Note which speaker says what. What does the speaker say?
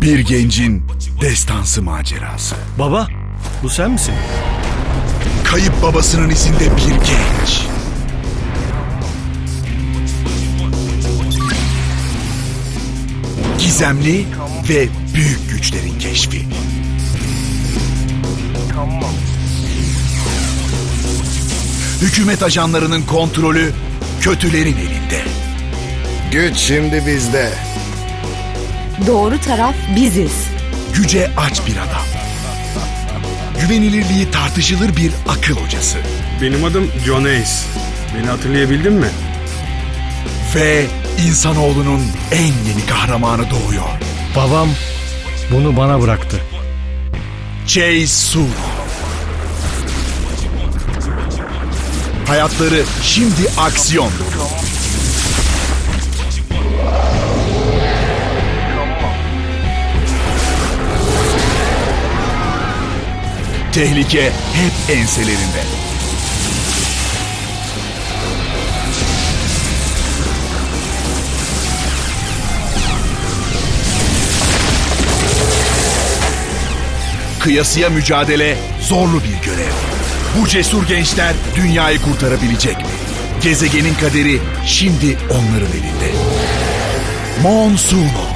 Speaker 1: Bir gencin destansı macerası.
Speaker 2: Baba, bu sen misin?
Speaker 1: Kayıp babasının izinde bir genç. Gizemli ve büyük güçlerin keşfi. Hükümet ajanlarının kontrolü kötülerin elinde.
Speaker 3: Güç şimdi bizde.
Speaker 4: Doğru taraf biziz.
Speaker 1: Güce aç bir adam. Güvenilirliği tartışılır bir akıl hocası.
Speaker 5: Benim adım John Ace. Beni hatırlayabildin mi?
Speaker 1: Ve insanoğlunun en yeni kahramanı doğuyor.
Speaker 2: Babam bunu bana bıraktı.
Speaker 1: Chase Su. Hayatları şimdi aksiyon dolu. Tehlike hep enselerinde. Kıyasıya mücadele zorlu bir görev. Bu cesur gençler dünyayı kurtarabilecek mi? Gezegenin kaderi şimdi onların elinde. Monsuno.